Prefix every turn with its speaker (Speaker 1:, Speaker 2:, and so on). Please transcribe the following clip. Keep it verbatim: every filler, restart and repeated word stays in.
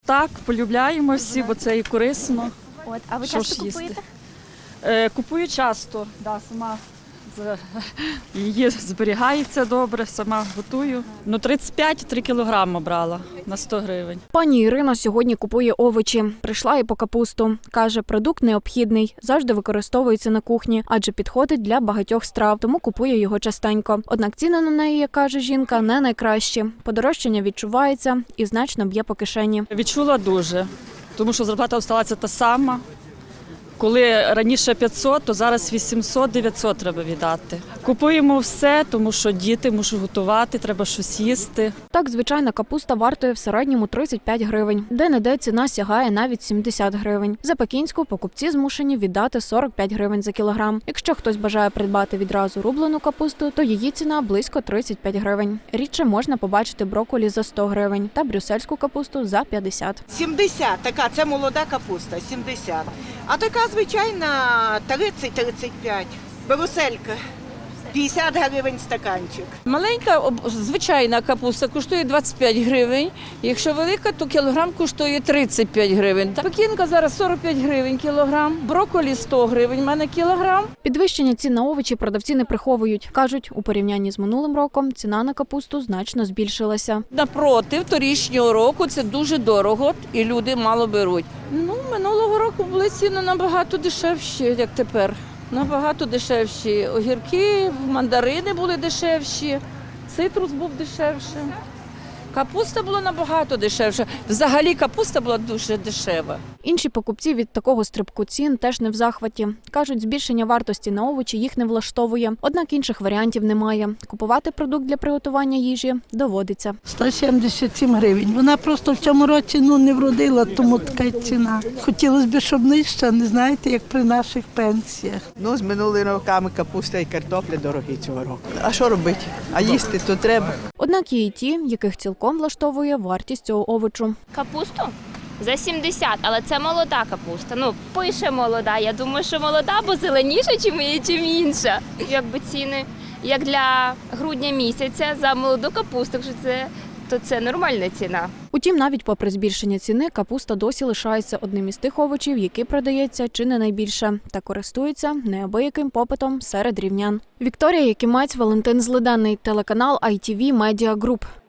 Speaker 1: Так, полюбляємо всі, бо це і корисно.
Speaker 2: От, а ви
Speaker 1: Що
Speaker 2: часто
Speaker 1: ж їсти?
Speaker 2: купуєте?
Speaker 1: Е, Купую часто, да, сама з- її зберігається добре, сама готую. Ну, тридцять п'ять - три кілограми брала на сто гривень.
Speaker 3: Пані Ірина сьогодні купує овочі. Прийшла і по капусту. Каже, продукт необхідний, завжди використовується на кухні, адже підходить для багатьох страв, тому купує його частенько. Однак ціни на неї, як каже жінка, не найкращі. Подорожчання відчувається і значно б'є по кишені.
Speaker 1: Відчула дуже, тому що зарплата залишилася та сама. Коли раніше п'ятсот, то зараз вісімсот - дев'ятсот треба віддати. Купуємо все, тому що діти мушу готувати, треба щось їсти.
Speaker 3: Так, звичайна капуста вартує в середньому тридцять п'ять гривень. Де-не-де ціна сягає навіть сімдесят гривень. За пекінську покупці змушені віддати сорок п'ять гривень за кілограм. Якщо хтось бажає придбати відразу рублену капусту, то її ціна близько тридцять п'ять гривень. Рідше можна побачити брокколі за сто гривень та брюссельську капусту за п'ятдесят.
Speaker 4: сімдесят, така, це молода капуста, сімдесят. А така звичайна тридцять - тридцять п'ять. Бруселька, п'ятдесят гривень стаканчик.
Speaker 5: Маленька об- звичайна капуста коштує двадцять п'ять гривень. Якщо велика, то кілограм коштує тридцять п'ять гривень. Пекінка зараз сорок п'ять гривень кілограм, брокколі сто гривень, в мене кілограм.
Speaker 3: Підвищення цін на овочі продавці не приховують. Кажуть, у порівнянні з минулим роком ціна на капусту значно збільшилася.
Speaker 5: Напроти, торічнього року це дуже дорого і люди мало беруть. Ну, минулого року були ціни набагато дешевші, як тепер. Набагато дешевші. Огірки, мандарини були дешевші, цитрус був дешевший. Капуста була набагато дешевша. Взагалі капуста була дуже дешева.
Speaker 3: Інші покупці від такого стрибку цін теж не в захваті. Кажуть, збільшення вартості на овочі їх не влаштовує, однак інших варіантів немає. Купувати продукт для приготування їжі доводиться.
Speaker 6: сто сімдесят сім гривень. Вона просто в цьому році ну, не вродила, тому така ціна. Хотілося б, щоб нижча, не знаєте, як при наших пенсіях.
Speaker 7: Ну, з минулими роками капуста і картопля дорогі цього року. А що робити? А їсти то треба.
Speaker 3: Однак є і ті, яких цілком влаштовує вартість цього овочу.
Speaker 2: Капусту? За сімдесят, але це молода капуста. Ну, пише молода. Я думаю, що молода, бо зеленіша, чим, чим інша. Якби ціни, як для грудня місяця за молоду капусту, що це, то це нормальна ціна.
Speaker 3: Утім, навіть попри збільшення ціни, капуста досі лишається одним із тих овочів, який продається чи не найбільше, та користується неабияким попитом серед рівнян. Вікторія Якимець, Валентин Злиденний, телеканал ай ті ві Media Group.